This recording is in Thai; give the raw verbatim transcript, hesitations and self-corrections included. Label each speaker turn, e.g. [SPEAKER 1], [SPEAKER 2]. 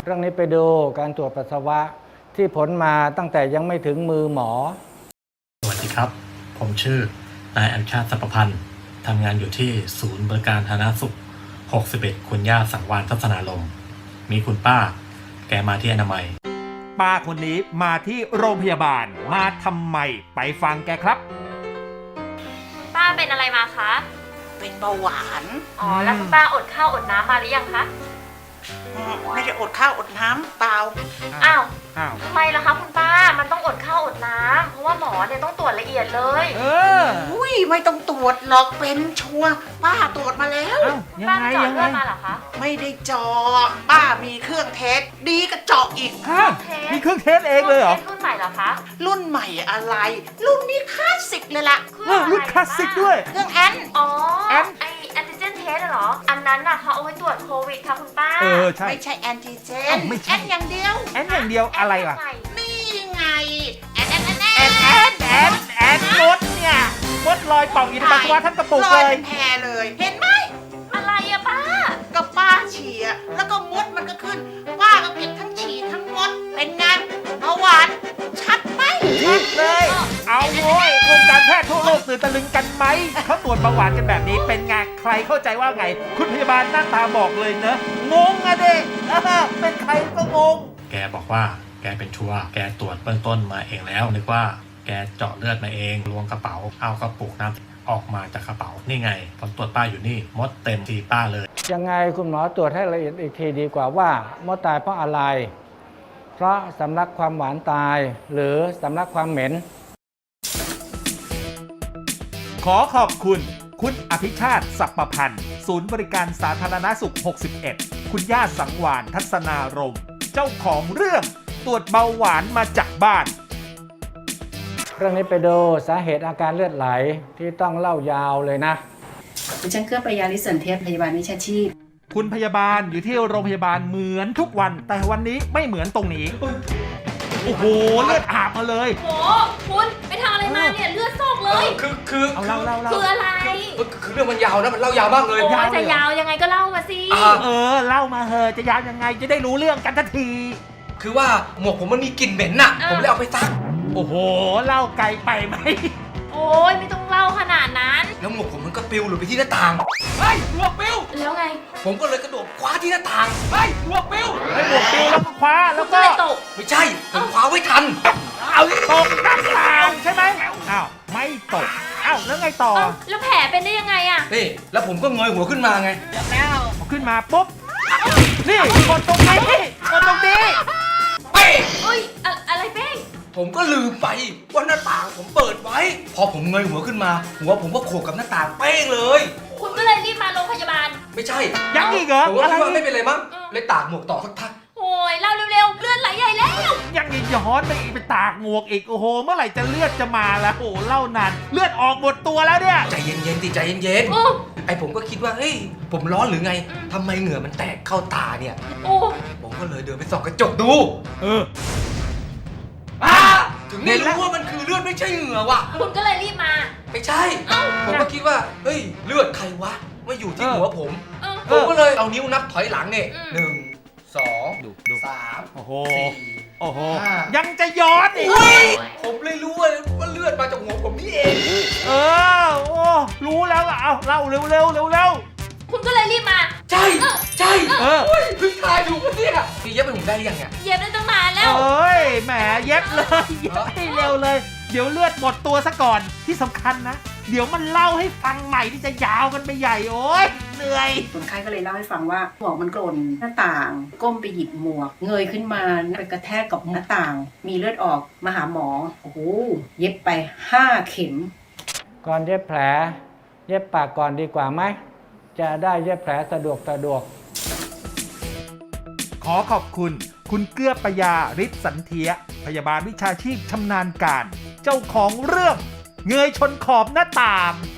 [SPEAKER 1] เรื่องนี้ไปดูการตรวจปัสสาวะที่ผลมาตั้งแต่ยังไม่ถึงมือหมอ
[SPEAKER 2] สวัสดีครับผมชื่อนายอัญชาติสัพพันธ์ทำงานอยู่ที่ศูนย์บริการสาธารณสุขหกสิบเอ็ดคุณย่าสังวาลทัศนารมณ์มีคุณป้าแกมาที่อนามัย
[SPEAKER 3] ป้าคนนี้มาที่โรงพยาบาลมาทำไมไปฟังแกครับ
[SPEAKER 4] ป้าเป็นอะไรมาคะ
[SPEAKER 5] เป็นเบาหวาน
[SPEAKER 4] อ๋อแล้วคุณป้าอดข้าวอดน้ำมาหรือยังคะ
[SPEAKER 5] ไม่ได้อดข้าวอดน้ำเปล่า
[SPEAKER 4] อ้าว
[SPEAKER 3] อ้าว
[SPEAKER 4] ทำไมล่ะคะคุณป้ามันต้องอดข้าวอดน้ำเพราะว่าหมอเนี่ยต้องตรวจละเอียดเลย
[SPEAKER 3] เออ
[SPEAKER 5] อุ้ยไม่ต้องตรวจหรอกเป็นชัวร์ป้าตรวจมาแล้ว
[SPEAKER 4] ป้าเจาะเลือดมาเหรอคะ
[SPEAKER 5] ไม่ได้เจาะป้ามีเครื่องเทสดีก็เจาะอีก
[SPEAKER 3] มีเครื่องเทสเองเลยเหรอ
[SPEAKER 4] รุ่นใหม่เหรอคะ
[SPEAKER 5] รุ่นใหม่อะไรรุ่นนี้คลาสสิกเลยล่ะ
[SPEAKER 3] รุ่นคลาสสิกด้วย
[SPEAKER 5] เครื่องแอน
[SPEAKER 4] อ๋อแอนไอแอนติเจนเทสเหรออันนั้นน่ะเขาเอาไว้ตรวจโควิดค่ะคุณป้า
[SPEAKER 3] เออใช่
[SPEAKER 5] ไม่ใช่แอนติเจนแอนอย่างเดียว
[SPEAKER 3] แอนอย่างเดียวอะไรล่ะ
[SPEAKER 5] นี่ไงแอนแอนแอน
[SPEAKER 3] แอนแอนแอนแอนมดเนี่ยมดลอยป่องอยู่ในปัสสาวะทั้งกระปุกเลย
[SPEAKER 5] ลอยเป็นแพรเลยเห็นไหม
[SPEAKER 4] อะไรอะป้า
[SPEAKER 5] ก็ป้าฉี่แล้วก็มดมันก็ขึ้นป้าก็เก็บทั้งฉี่ทั้งมดเป็นไงเบาหวานชัดไหม
[SPEAKER 3] ชัดเลยเอาโว้ยวงการแพทย์ทั่วโลกตื่นตะลึงกันไหมเขาตรวจเบาหวานกันแบบนี้เป็นไงใครเข้าใจว่าไงคุณพยาบาลหน้าตาบอกเลยเนอะงงอะเด็กเป็นใครก็งง
[SPEAKER 2] แกบอกว่าแกเป็นชัวร์แกตรวจเบื้องต้นมาเองแล้วนึกว่าแกเจาะเลือดมาเองล้วงกระเป๋าเอากระปุกน้ำออกมาจากกระเป๋านี่ไงผลตรวจป้าอยู่นี่มดเต็มทีป้าเลย
[SPEAKER 1] ยังไงคุณหมอตรวจให้ละเอียดอีกทีดีกว่าว่ามดตายเพราะอะไรเพราะสำลักความหวานตายหรือสำลักความเหม็น
[SPEAKER 3] ขอขอบคุณคุณอภิชาติสัพพพันธ์ศูนย์บริการสาธารณสุขหกสิบเอ็ดคุณย่าสังวาลทัศนารมณ์เจ้าของเรื่องตรวจเบาหวานมาจากบ้าน
[SPEAKER 1] เรื่องนี้ไปดูสาเหตุอาการเลือดไหลที่ต้องเล่ายาวเลยนะ
[SPEAKER 6] ดิฉันเกื้อปยาลิสันเทพพยาบาลวิชาชีพ
[SPEAKER 3] คุณพยาบาลอยู่ที่โรงพยาบาลเหมือนทุกวันแต่วันนี้ไม่เหมือนตรงนี้โอ้โหเลือดอาบมาเลย
[SPEAKER 4] โอ้คุณไปทำอะไรมาเนี่ยเลือดซอกเลย
[SPEAKER 7] คือคือ
[SPEAKER 3] เอาเล่าเล่า
[SPEAKER 4] คืออะไร
[SPEAKER 7] คือเรื่องมันยาวนะมันเล่ายาวมากเลย
[SPEAKER 4] โอ้จะยาวยังไงก็เล่ามาสิ
[SPEAKER 3] เออเล่ามาเถอะจะยาวยังไงจะได้รู้เรื่องกันทันที
[SPEAKER 7] คือว่าหมวกผมมันมีกลิ่นเหม็นน่ะผมเลยเอาไปซัก
[SPEAKER 3] โอ้โหเล่าไกลไปไหม
[SPEAKER 4] โอ้ยไม่ต้องเล่าขนาดนั้น
[SPEAKER 7] แล้วหมวกผมมันก็ปลิวหลุดไปที่หน้าต่างเฮ้ยหมวกปลิว
[SPEAKER 4] แล้วไง
[SPEAKER 7] ผมก็เลยกระโดดคว้าที่หน้าต่างเฮ้ยหมวกปลิว
[SPEAKER 3] ให้หมวกปลิวแล้วก็คว้าแล้วก็
[SPEAKER 4] ตก
[SPEAKER 7] ไม่ใช่ผมคว้าไว้ทัน
[SPEAKER 3] เอาตกหน้าต่างใช่ไหมอ้าวไม่ตกอ้าวแล้วไงต่อ
[SPEAKER 4] แล้วแผลเป็นได้ยังไงอะ
[SPEAKER 7] นี่แล้วผมก็เงยหัวขึ้นมาไง
[SPEAKER 3] แล้วขึ้นมาปุ๊บนี่กดตรงนี้กดตรงนี้
[SPEAKER 7] เป้
[SPEAKER 4] เอ้ยอะไรเป้ง
[SPEAKER 7] ผมก็ลืมไปว่าหน้าต่างผมเปิดไว้พอผมเงยหัวขึ้นมาหัวผมก็โขกกับหน้าต่างเป้งเลย
[SPEAKER 4] คุณก็เลยรีบมาโรงพยาบาล
[SPEAKER 7] ไม่ใช่
[SPEAKER 3] ยังอีกเหรอ
[SPEAKER 7] ผมก็คิดว่าไม่เป็นไรมั้งเลยตากหมวกต่อสักพัก
[SPEAKER 4] โอ้ยเล่าเร็วๆเลือดไหลใหญ่แล้ว
[SPEAKER 3] ยังอีกย้อนไปอีกไปตากหมวกอีกโอ้โหเมื่อไหร่จะเลือดจะมาแล้วโอ้เล่านานเลือดออกหมดตัวแล้วเนี่ย
[SPEAKER 7] ใจเย็นๆติใจเย็นๆไอผมก็คิดว่าเฮ้ยผมร้อนหรือไงทำไมเหงื่อมันแตกเข้าตาเนี่ย
[SPEAKER 4] โอ้
[SPEAKER 7] ผมก็เลยเดินไปส่องกระจกดู
[SPEAKER 3] เออ
[SPEAKER 7] ถึงได้รู้ว่ามันคือเลือดไม่ใช่เหงื่อว่ะ
[SPEAKER 4] คุณก็เลยรีบมา
[SPEAKER 7] ไม่ใช่ผมก็คิดว่าเฮ้ยเลือดใครวะมาอยู่ที่หัวผมผมก็เลยเอานิ้วนับถอยหลังเนี่ยหนึ่งสองสาม
[SPEAKER 3] โอ้โหโอ้โหยังจะย้อนอีก
[SPEAKER 7] ผมเลยรู้ว่าเลือดมาจากหัวผมนี่เอง
[SPEAKER 3] เออโอ้รู้แล้วล่ะเอาเล่าเร็วเร็วเร็วเร็ว
[SPEAKER 4] คุณก็เลยรีบมา
[SPEAKER 7] ใช่ใช่เออเพิ่งทายถูกปะเนี่ยพี่เย็บไปผมได้ยังไง
[SPEAKER 4] เย็บได้ตั้งนานแล้ว
[SPEAKER 3] เอ้ยแหมเย็บเลยเย็บให้เร็วเลยเดี๋ยวเลือดหมดตัวซะก่อนที่สำคัญนะเดี๋ยวมันเล่าให้ฟังใหม่ที่จะยาวกันไปใหญ่โอ้ยเหนื่อย
[SPEAKER 6] คนไข้ก็เลยเล่าให้ฟังว่าหมวกมันกล่นหน้าต่างก้มไปหยิบหมวกเงยขึ้นมาไปกระแทกกับหน้าต่างมีเลือดออกมาหาหมอโอ้โหเย็บไปห้าเข็ม
[SPEAKER 1] ก่อนเย็บแผลเย็บปากก่อนดีกว่าไหมจะได้เย็บแผลสะดวกสะดวก
[SPEAKER 3] ขอขอบคุณคุณเกื้อปยาฤทธิ์สันเทียพยาบาลวิชาชีพชำนาญการเจ้าของเรื่องเงยชนขอบหน้าต่าง